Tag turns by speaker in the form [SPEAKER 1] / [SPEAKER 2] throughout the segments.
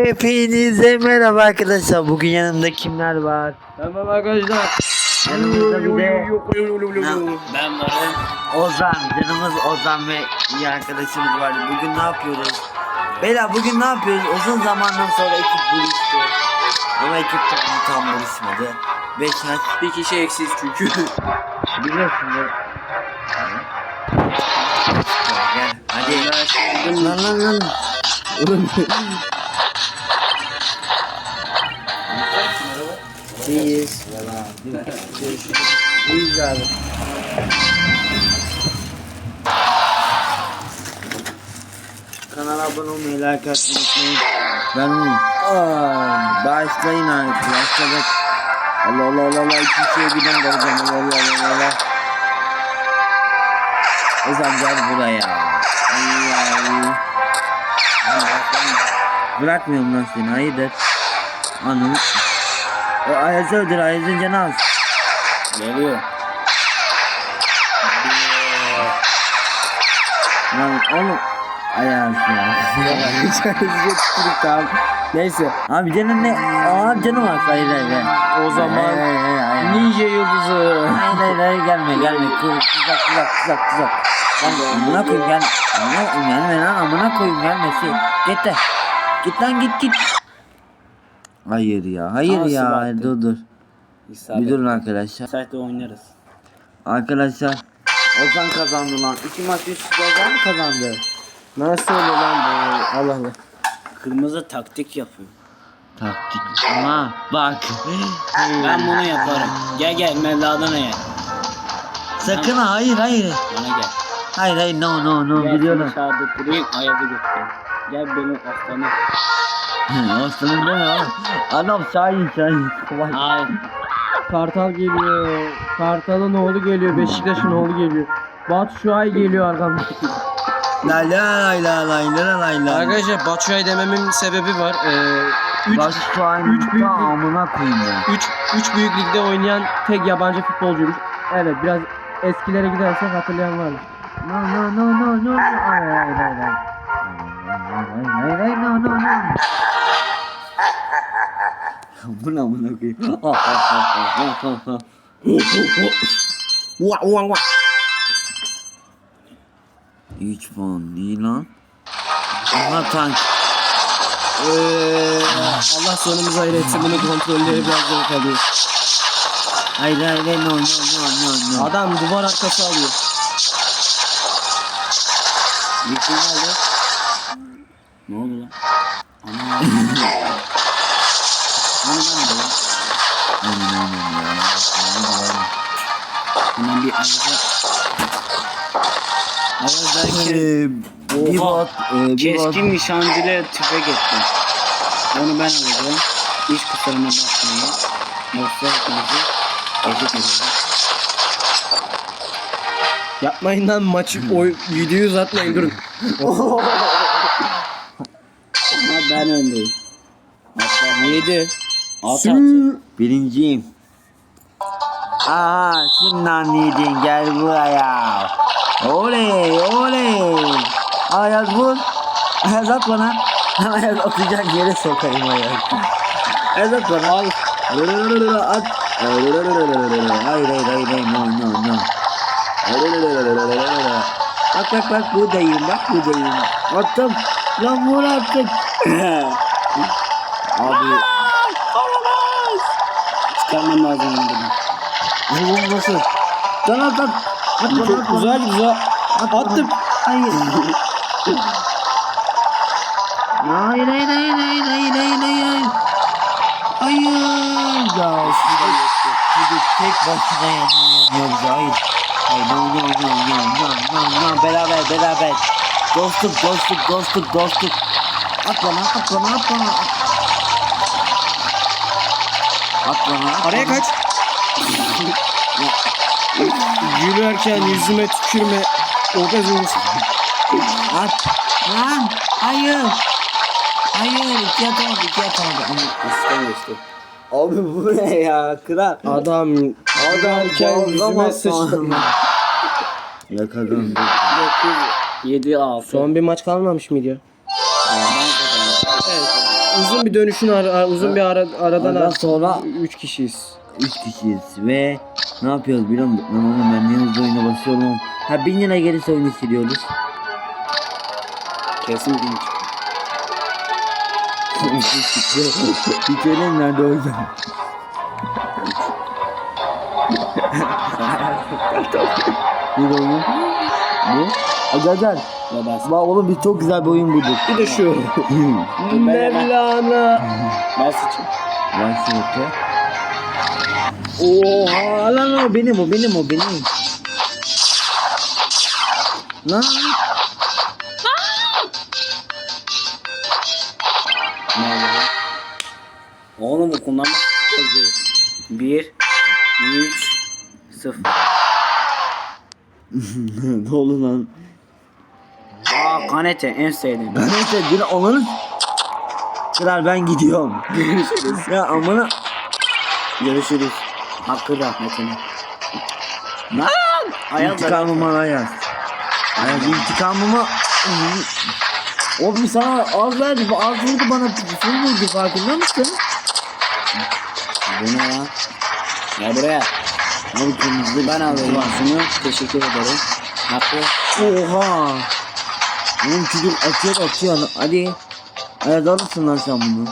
[SPEAKER 1] Hepinize merhaba arkadaşlar. Bugün yanımda kimler var?
[SPEAKER 2] Tamam arkadaşlar.
[SPEAKER 1] Yanımızda bir de
[SPEAKER 2] Ben varım.
[SPEAKER 1] Ozan. Canımız Ozan ve iyi arkadaşımız var. Bugün ne yapıyoruz? Beyler bugün ne yapıyoruz? Uzun zamandan sonra ekip buluştu. Ama ekip tam buluşmadı. 5 maç.
[SPEAKER 2] Bir kişi eksiz çünkü.
[SPEAKER 1] Biliyorsun da. Gel hadi. Lan. İyiyiz. İyiyiz abi. Kanala abone olmayı, like atmayı unutmayın. Ben oyum. Başlayın artık. Başladık. Allah. İki şeye giden kalacağım. Allah. Ozan gel buraya. Bırakmıyorum lan seni. Hayırdır? Ananı. O Ayaz'ı öldür. Ayaz'ın canı az.
[SPEAKER 2] Geliyor.
[SPEAKER 1] Lan oğlum. Ayaz ya.
[SPEAKER 2] Neyse.
[SPEAKER 1] Abi canın ne? Aa canım az. Hayır.
[SPEAKER 2] O zaman
[SPEAKER 1] Hayır.
[SPEAKER 2] Ninja yıldızı.
[SPEAKER 1] Hayır gelme. Tuzak. Amına koyayım gel. Gelme lan amına koyayım gelmesi. Git lan git. Hayır ya. Dur. Bir durun arkadaşlar.
[SPEAKER 2] Site'de oynarız.
[SPEAKER 1] Arkadaşlar Ozan kazandı lan. 2 maç üst üste Ozan mı kazandı?
[SPEAKER 2] Nasıl oluyor lan bu? Allah. Kırmızı taktik yapıyor.
[SPEAKER 1] Taktik ama bak.
[SPEAKER 2] Ben bunu yaparım. Gel Mevla'dan ye.
[SPEAKER 1] Sakın hayır.
[SPEAKER 2] Bana gel.
[SPEAKER 1] Hayır no
[SPEAKER 2] Gel
[SPEAKER 1] biliyorum.
[SPEAKER 2] dışarıda durayım ayazı götüreyim. Gel benim aslanım.
[SPEAKER 1] Aslanım deme oğlum. Adam Şahin. Kolay.
[SPEAKER 2] Hayır.
[SPEAKER 3] Kartal geliyor. Kartal'ın oğlu geliyor. Beşiktaş'ın oğlu geliyor. Batu Şuay geliyor arkamda.
[SPEAKER 1] La.
[SPEAKER 3] Arkadaşlar Batshuayi dememin sebebi var. Üç büyük lig-
[SPEAKER 1] amına koyayım ya.
[SPEAKER 3] 3 büyük ligde oynayan tek yabancı futbolcuymuş. Evet biraz eskilere gidersek hatırlayan vardır.
[SPEAKER 1] No. Hayır, no. Bu ne amına koyayım?
[SPEAKER 2] Vah.
[SPEAKER 1] 3 puan iyi lan. Aha tank.
[SPEAKER 3] Allah sonumuzu hayır etsin, bunu kontrolleri biraz zor kalıyor.
[SPEAKER 1] Hayır no.
[SPEAKER 3] Adam duvar arkası alıyor.
[SPEAKER 2] Yıkıl nerede? Ne oldu lan? Ana. Hemen bir Ayaz derken
[SPEAKER 1] Bir bot.
[SPEAKER 2] keskin nişancıyla tüfek ettim. Onu ben alacağım. Hiç kusuruma bakmayın. Yoksa hepinizi eşit edeceğim.
[SPEAKER 3] Yapmayın lan maçı, videoyu uzatmayın, durun.
[SPEAKER 2] Ama ben öndeyim. Hatta
[SPEAKER 3] 7.
[SPEAKER 2] 6.
[SPEAKER 1] Birinciyim. Aha şimdi yedin gel buraya. Oley. Ayaz vur. Ayaz at bana. Ayaz atacak yere sokayım Ayaz. Ayaz at bana. Al. At. Hayır no. Bak buradayım. Attım. Lan vur artık. Abi.
[SPEAKER 2] Çıkarmam lazım bunu.
[SPEAKER 1] Bu nasıl? At.
[SPEAKER 3] Çok güzel. Attım.
[SPEAKER 1] Hayır. Hayır. Ya çocuk tek başına yanıyoruz. Hayır. No. Beraber. Dostluk. At bana.
[SPEAKER 3] Araya kaç. Gülerken yüzüme tükürme. Obez olursun.
[SPEAKER 1] At. Lan. Hayır. İki atamadı.
[SPEAKER 2] İstemiyorsun.
[SPEAKER 1] Abi bu ne ya? Kral.
[SPEAKER 3] Adam gülerken yüzüme sıçtı.
[SPEAKER 1] Yakalandı.
[SPEAKER 2] 7-6.
[SPEAKER 3] Son bir maç kalmamış mıydı ya?
[SPEAKER 2] Ben kazandım.
[SPEAKER 3] Evet. uzun bir dönüşün uzun bir aradan
[SPEAKER 1] Aradan sonra
[SPEAKER 3] 3 kişiyiz.
[SPEAKER 1] 3 kişiyiz ve ne yapıyoruz biliyor musun? Lan oğlum ben niye hızlı oyuna basıyorum? Ha 1000 lira gelirse oyunu siliyoruz.
[SPEAKER 2] Kesin değil.
[SPEAKER 1] Bir söyleyeyim nerede oyun? Bir oyun. Bu? Gel gel.
[SPEAKER 2] Babası.
[SPEAKER 1] Bak oğlum biz çok güzel bir oyun bulduk.
[SPEAKER 3] Bir de şu. Mevlana.
[SPEAKER 2] Ben sıçayım.
[SPEAKER 1] Vay sınıfı. Oha lan o benim o benim o benim. Lan.
[SPEAKER 2] Oğlum bu kullanmak yazıyor. 1 3 0.
[SPEAKER 1] Ne oldu lan?
[SPEAKER 2] Aa kanete en sevdiğim.
[SPEAKER 1] Neyse bir onları kral ben gidiyorum. Görüşürüz. Ya amına. Görüşürüz.
[SPEAKER 2] Hakkı rahmetine. Lan! Ayaz da.
[SPEAKER 1] İntikamımı Ayaz. Ayaz intikamımı. Oğlum sana az verdi. Bu az vurdu bana. Full vurdu farkında mısın?
[SPEAKER 2] Bu ne lan? Gel buraya.
[SPEAKER 1] Abi kırmızı
[SPEAKER 2] Ben alayım şunu. Teşekkür ederim. Hakkı.
[SPEAKER 1] Oha. Oğlum çocuk atıyor. Hadi. Ayaz alırsın lan sen bunu.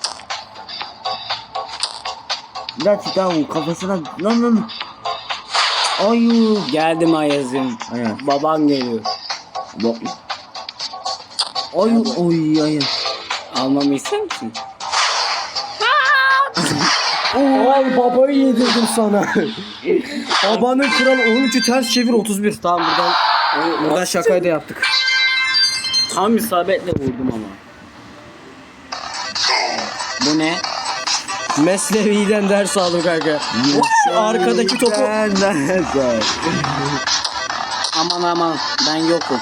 [SPEAKER 1] Gerçekten o kafasına lan. Ayu.
[SPEAKER 2] Geldim Ayaz'ım.
[SPEAKER 1] Ayaz.
[SPEAKER 2] Baban geliyor.
[SPEAKER 1] Bak. Ayu. Oy Ayaz.
[SPEAKER 2] Almamı ister misin?
[SPEAKER 3] Ay babayı yedirdim sana. Babanın kralı 13'ü ters çevir 31. Tamam buradan şakayı da yaptık.
[SPEAKER 2] Tam isabetle vurdum ama. Bu ne?
[SPEAKER 3] Mesnevi'den ders aldım kanka. Şu arkadaki topu.
[SPEAKER 2] Aman ben yokum.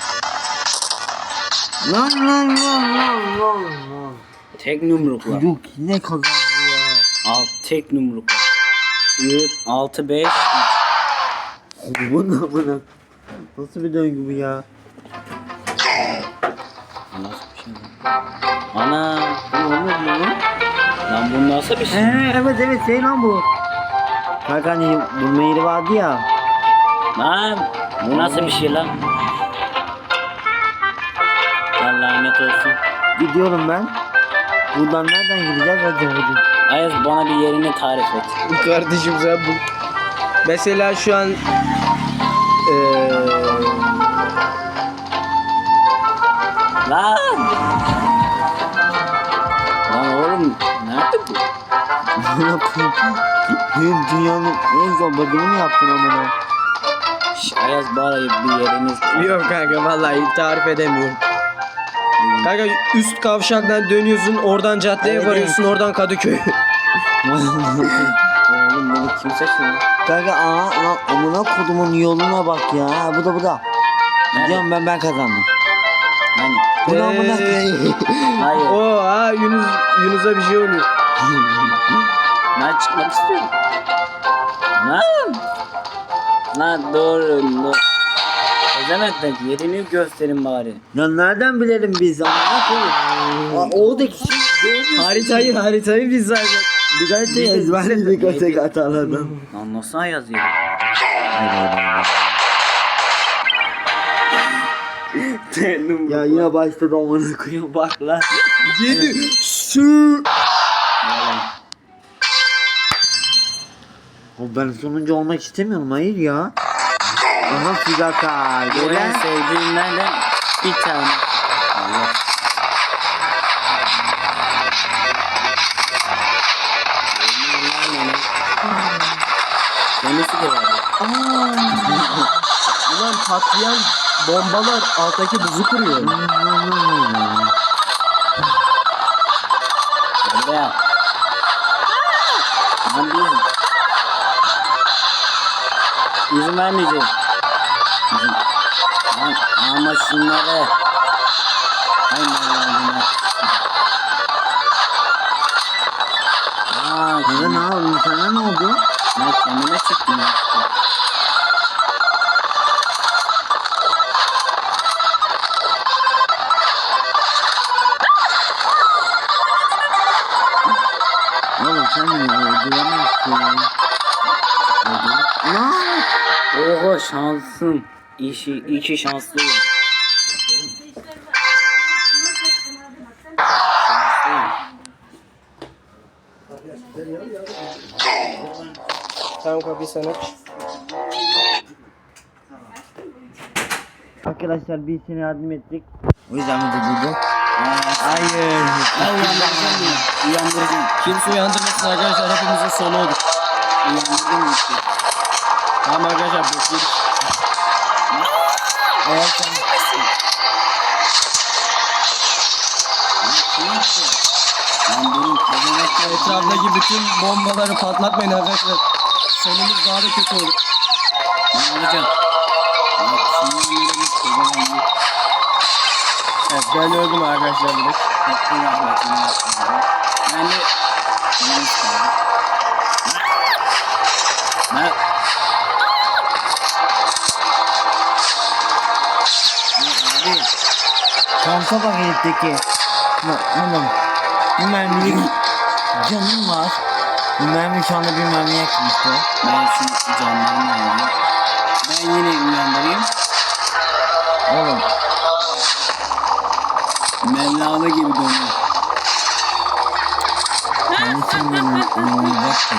[SPEAKER 1] Lan.
[SPEAKER 2] Tek yumrukla.
[SPEAKER 1] Yok yine kazandı ya.
[SPEAKER 2] Tek yumrukla. 6 5
[SPEAKER 1] Bu ne? Nasıl bir döngü bu ya?
[SPEAKER 2] Nasıl bir şey lan? Ana.
[SPEAKER 1] Bu olmaz mı lan?
[SPEAKER 2] Lan bu nasıl bir şey?
[SPEAKER 1] Evet şey lan bu. Kanka hani bulma yeri vardı ya.
[SPEAKER 2] Lan bu nasıl bir şey lan? Allah lanet olsun.
[SPEAKER 1] Gidiyorum ben. Buradan nereden gideceğiz hadi.
[SPEAKER 2] Ayaz bana bir yerini tarif et.
[SPEAKER 3] Kardeşim sen bu. Mesela şu an
[SPEAKER 2] Lan! Lan oğlum nerede bu?
[SPEAKER 1] Ne yapayım? Benim dünyanın en zor bölümünü mü yaptın amına?
[SPEAKER 2] Ayaz bana bir yeriniz.
[SPEAKER 3] yok kanka vallahi tarif edemiyorum. Kanka üst kavşaktan dönüyorsun, oradan caddeye
[SPEAKER 1] Evet,
[SPEAKER 3] varıyorsun, oradan Kadıköy.
[SPEAKER 2] Oğlum bunu kim seçiyor?
[SPEAKER 1] Kanka lan amına kodumun yoluna bak ya. Bu da. Gidiyorum ben kazandım.
[SPEAKER 2] Hani?
[SPEAKER 1] Bunu amına
[SPEAKER 2] Hayır.
[SPEAKER 3] Oha Yunus'a bir şey oluyor.
[SPEAKER 2] Ben çıkmak istiyorum. Lan! Lan doğru. Ezemetler yerini gösterin bari.
[SPEAKER 1] Ya nereden bilelim biz amına koyayım? Oradaki şey görmüyorsun.
[SPEAKER 3] Haritayı biz zaten.
[SPEAKER 1] Bir gazeteyi ezberledik o tek hatalardan.
[SPEAKER 2] Lan nasıl Ayaz ya?
[SPEAKER 1] Ya yine başladı amına koyayım bak lan.
[SPEAKER 3] 7 sü.
[SPEAKER 1] Ben sonuncu olmak istemiyorum hayır ya. Aha Figaka.
[SPEAKER 2] Bu en
[SPEAKER 1] Gelen.
[SPEAKER 2] sevdiğimlerden bir tane. Allah. Kendisi de var.
[SPEAKER 3] Ulan patlayan bombalar alttaki buzu kırıyor.
[SPEAKER 2] Buraya. Lan bir. İzin vermeyeceğim. Lan ama şunları. Ay Allah'ım.
[SPEAKER 1] Kanka ne yapıyorsun? Sana ne oldu?
[SPEAKER 2] Ben kendime çıktım ya.
[SPEAKER 1] Lan.
[SPEAKER 2] Oha şansım. İki şanslıyım. Şanslıyım.
[SPEAKER 3] Tamam kapıyı sen aç.
[SPEAKER 1] Arkadaşlar biz seni yardım ettik. O yüzden mi durdurdun?
[SPEAKER 2] Hayır. Uyandıracağım bunu. Uyandıracağım.
[SPEAKER 3] Kimse uyandırmasın arkadaşlar, hepimizin sonu olur.
[SPEAKER 2] Uyandırdım gitti.
[SPEAKER 3] Tamam arkadaşlar bekledik.
[SPEAKER 1] Eğer sen
[SPEAKER 2] Lan benim kazanaklar
[SPEAKER 3] Etraftaki bütün bombaları patlatmayın arkadaşlar. Sonumuz daha da kötü olur.
[SPEAKER 2] ne olacak? Bak şimdi bir kazanaklar.
[SPEAKER 3] Evet ben öldüm arkadaşlar direkt.
[SPEAKER 2] Hakkı rahmetine yapmadım. Ben de yanlış kaldım. Ben
[SPEAKER 1] abi şansa bak herifteki. Oğlum bu mermilik canım var. Bu mermi şu anda bir mermi yakmıştı.
[SPEAKER 2] ben şu canlarını aldım. Ben yine uyandırayım.
[SPEAKER 1] Oğlum
[SPEAKER 2] Mevlana gibi dönüyor.
[SPEAKER 1] kendisinin uyuyacak ki.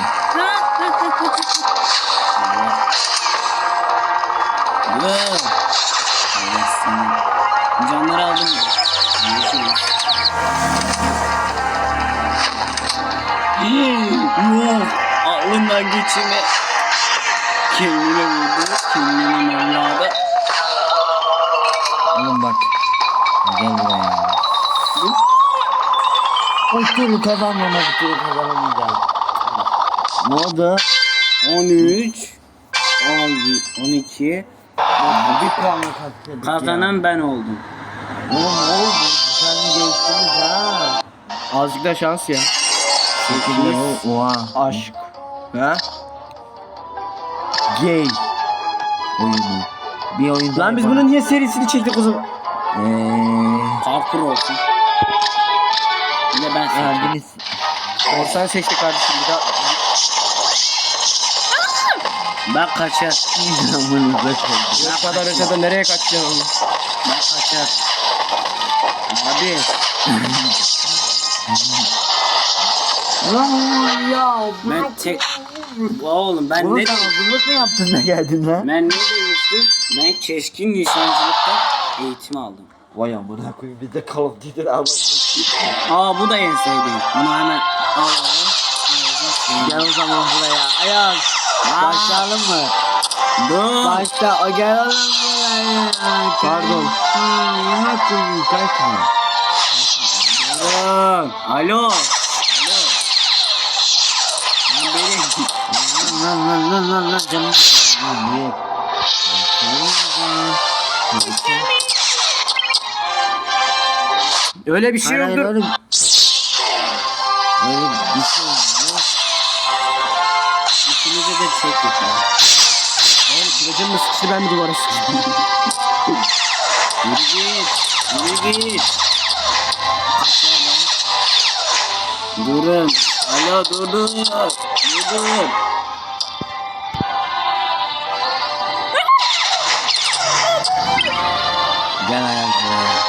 [SPEAKER 2] Wow. Allah seni. Canları aldım mı? Görüşürüz. Yok. Aklından geçirme. Kendine vurdu. Kendine Mevla'da.
[SPEAKER 1] Oğlum bak. Gel buraya. O turu kazanmama bir turu kazanamayacağım. Ne oldu?
[SPEAKER 2] 13 12
[SPEAKER 1] Bir puanla kaçırdık ya.
[SPEAKER 2] kazanan ben oldum.
[SPEAKER 1] Oğlum ne oldu? Sen geçtiniz ha.
[SPEAKER 3] Azıcık da şans ya.
[SPEAKER 1] Şekilde oha.
[SPEAKER 3] Aşk. Ha?
[SPEAKER 1] Gay. Oyunu. Bir oyun
[SPEAKER 3] Lan biz bunun niye serisini çektik o zaman?
[SPEAKER 2] Parkur olsun. Bir de ben seçtim.
[SPEAKER 1] Geldiniz.
[SPEAKER 3] Korsan seçti kardeşim bir daha.
[SPEAKER 2] Ben kaçar.
[SPEAKER 1] Zamanınıza kaldı.
[SPEAKER 3] Bu kadar ötede nereye kaçacaksın oğlum?
[SPEAKER 2] Ben kaçar. Abi.
[SPEAKER 1] Lan ya.
[SPEAKER 2] Ben tek... Oğlum ben
[SPEAKER 1] Bunu
[SPEAKER 2] ne
[SPEAKER 1] sen hazırlık mı yaptın da geldin lan?
[SPEAKER 2] Ben ne demiştim? Ben keskin nişancılıkta eğitim aldım.
[SPEAKER 1] Vay amına koyayım bir de Call of Duty almışsın.
[SPEAKER 2] Aa bu da en sevdiğim. Bunu hemen alalım.
[SPEAKER 1] Gel o zaman buraya. Ayaz. Başlayalım mı?
[SPEAKER 2] Dur.
[SPEAKER 1] Başla. Gel oğlum buraya.
[SPEAKER 3] Pardon.
[SPEAKER 1] Amına koyayım kaçma.
[SPEAKER 2] Dur. Alo. Alo. Lan benim.
[SPEAKER 1] Lan canım. Yok.
[SPEAKER 3] Öyle bir şey
[SPEAKER 1] Hayır,
[SPEAKER 3] yoktur.
[SPEAKER 1] öyle bir şey yok.
[SPEAKER 2] İkimize de çek yapalım.
[SPEAKER 3] Oğlum kılıcım mı sıkıştı, ben mi duvara sıkıştım?
[SPEAKER 2] Yürü git. Yürü git. Kaç var lan? Durun. Alo durun. Durun.
[SPEAKER 1] Gel Ayaz buraya.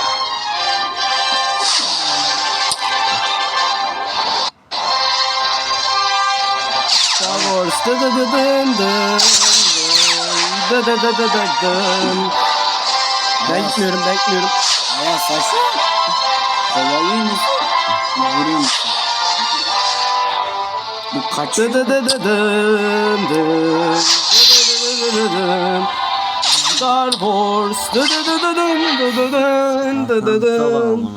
[SPEAKER 3] Star Wars dı dı dı dın dın dı dı dı dı dı dın. Ben gitmiyorum, ben gitmiyorum.
[SPEAKER 2] Aya saçma. Kovalıyor musun? Vuruyor musun? Bu kaç?
[SPEAKER 3] Dı dı dı dı dın dın dı dı dı dı dın. Star Wars dı dı dı dı dın dı dı dın dı dı dın.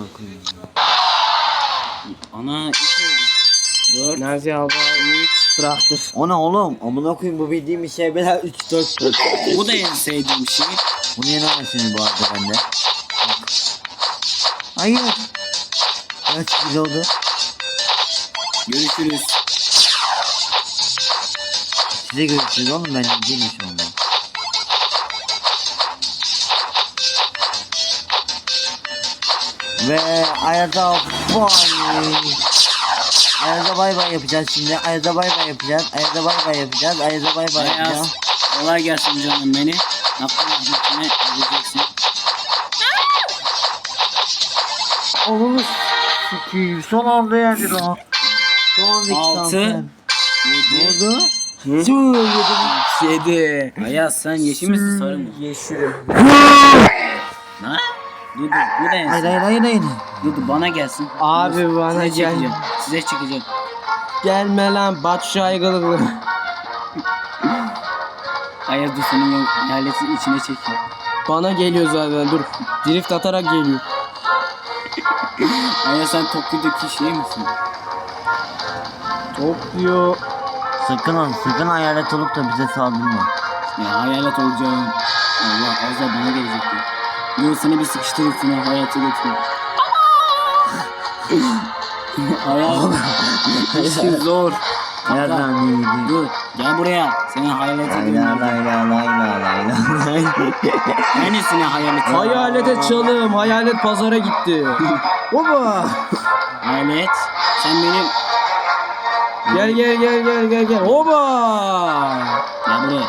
[SPEAKER 2] Ana 3 oldu. 4.
[SPEAKER 3] Nazi Alba 3 traktör.
[SPEAKER 1] O ne oğlum? Amına koyayım bu bildiğim bir şey bela 3 4 4.
[SPEAKER 2] Bu da en sevdiğim şey.
[SPEAKER 1] Bunu yenemezsiniz bu arada bende. Hayır. Kaç kilo oldu?
[SPEAKER 2] Görüşürüz.
[SPEAKER 1] Size görüşürüz oğlum ben değilim şu anda. Ve Ayaz'a boy. Ayaz'a bay bay yapacağız şimdi. Ayaz'a bay bay yapacağız. Ayaz'a bay bay yapacağız. Ayaz'a bay bay yapacağız.
[SPEAKER 2] Ayaz. Kolay gelsin canım beni. Hakkın rahmetine ödeyeceksin.
[SPEAKER 1] Oğlum sikiyim. Son anda yendi lan. Son anda
[SPEAKER 2] 6 7
[SPEAKER 1] Ne oldu? Söyledim.
[SPEAKER 3] 7.
[SPEAKER 2] Ayaz sen yeşil misin sarı mı?
[SPEAKER 3] Yeşilim.
[SPEAKER 2] Ha? Dudu bu ne?
[SPEAKER 1] Hayır hayır hayır hayır.
[SPEAKER 2] Dudu bana gelsin.
[SPEAKER 3] Abi bana
[SPEAKER 2] Size
[SPEAKER 3] gel.
[SPEAKER 2] çekeceğim. Size çekeceğim.
[SPEAKER 3] Gelme lan Batu Şaygılıklı.
[SPEAKER 2] Ayaz dur senin hayaletin içine çekiyor.
[SPEAKER 3] Bana geliyor zaten dur. Drift atarak geliyor.
[SPEAKER 2] Ayaz sen Tokyo'daki şey misin?
[SPEAKER 3] Tokyo.
[SPEAKER 1] Sakın hayalet olup da bize saldırma.
[SPEAKER 2] Ya hayalet olacağım. Allah Ayaz bana gelecekti. Dur seni bir sıkıştırıp seni hayalete götüreyim. Ayaz. İşin zor.
[SPEAKER 1] Nereden iyiydi?
[SPEAKER 2] Dur gel buraya. Seni hayalete
[SPEAKER 1] Layla
[SPEAKER 2] götüreyim.
[SPEAKER 1] layla layla layla.
[SPEAKER 2] Neresine hayalete?
[SPEAKER 3] Hayalete çalım. Hayalet pazara gitti. Oba.
[SPEAKER 2] Hayalet. Sen benim.
[SPEAKER 3] Gel. Oba.
[SPEAKER 2] Gel buraya.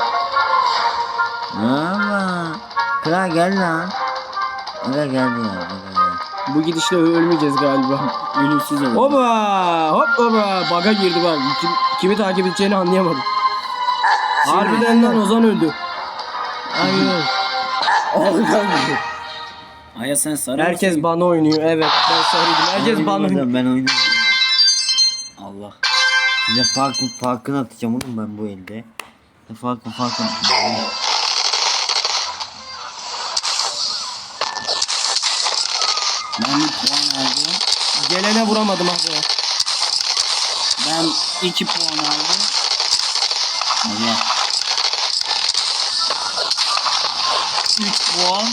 [SPEAKER 1] Ama. Kral gel lan. Aga geldi ya. Aga gel.
[SPEAKER 3] Bu gidişle ölmeyeceğiz galiba.
[SPEAKER 2] Ölümsüz ol.
[SPEAKER 3] Oba. Hop oba. Baga girdi bak. Kimi takip edeceğini anlayamadım. Harbiden lan Ozan öldü.
[SPEAKER 1] Hayır.
[SPEAKER 2] Ayaz sen sarı
[SPEAKER 3] Herkes
[SPEAKER 2] mısın?
[SPEAKER 3] bana oynuyor. Evet ben sarıydım. Herkes bana oynuyor.
[SPEAKER 1] Ben oynamadım.
[SPEAKER 2] Allah.
[SPEAKER 1] Size farkını atacağım oğlum ben bu elde. Farkın.
[SPEAKER 2] Ben bir puan aldım.
[SPEAKER 3] Gelene vuramadım abi.
[SPEAKER 2] Ben 2 puan aldım. Allah. 3 puan.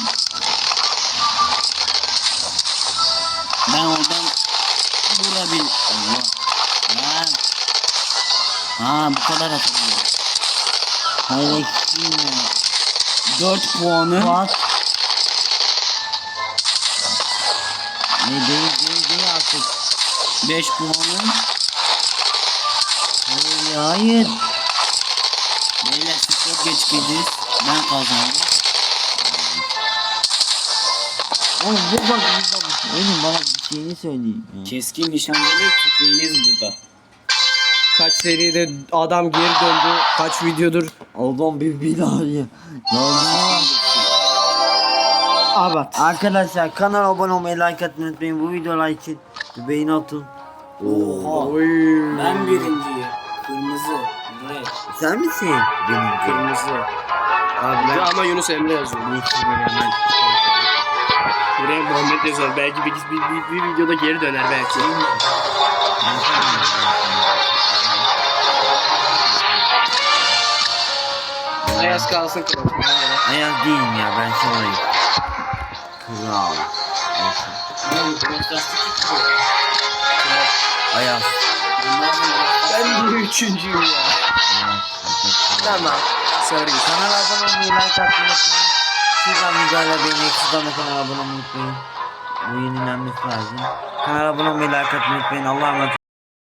[SPEAKER 2] Ben oradan vurabil. Allah. Lan. Ha bu kadar atılıyor.
[SPEAKER 1] Hayır eksiğim ya.
[SPEAKER 2] 4 puanı.
[SPEAKER 1] Fuat. Ne değil artık.
[SPEAKER 2] 5 puanı.
[SPEAKER 1] Hayır.
[SPEAKER 2] Beyler siz çok geç girdiniz. Ben kazandım.
[SPEAKER 1] Oğlum bu bak. Oğlum bana bir şeyini söyleyin. Ya.
[SPEAKER 2] Keskin nişancılı tüfeğiniz burada.
[SPEAKER 3] Kaç seride adam geri döndü. Kaç videodur.
[SPEAKER 1] Adam bir daha ya.
[SPEAKER 3] Abat.
[SPEAKER 1] Arkadaşlar kanala abone olmayı, like atmayı unutmayın. Bu videolar için bir beğeni atın.
[SPEAKER 2] Oha.
[SPEAKER 3] Oy.
[SPEAKER 2] Ben birinciyim. Kırmızı. Red.
[SPEAKER 1] Sen misin? Benim
[SPEAKER 3] Kırmızı. Abi ama Yunus Emre yazıyor. Buraya Muhammed yazıyor. Belki bir videoda geri döner belki. Ayaz kalsın kral.
[SPEAKER 1] Ayaz değilim ya, ben şuradayım. Kral. Ayaz.
[SPEAKER 3] Ben de üçüncüyüm ya. Tamam. Sorry.
[SPEAKER 1] Kanala abone olmayı, like atmayı unutmayın. Şuradan videoyla beğenmeyi, şuradan da kanala abone olmayı unutmayın. Bu yenilenmesi lazım. Kanala abone olmayı, like atmayı unutmayın. Allah'a emanet olun.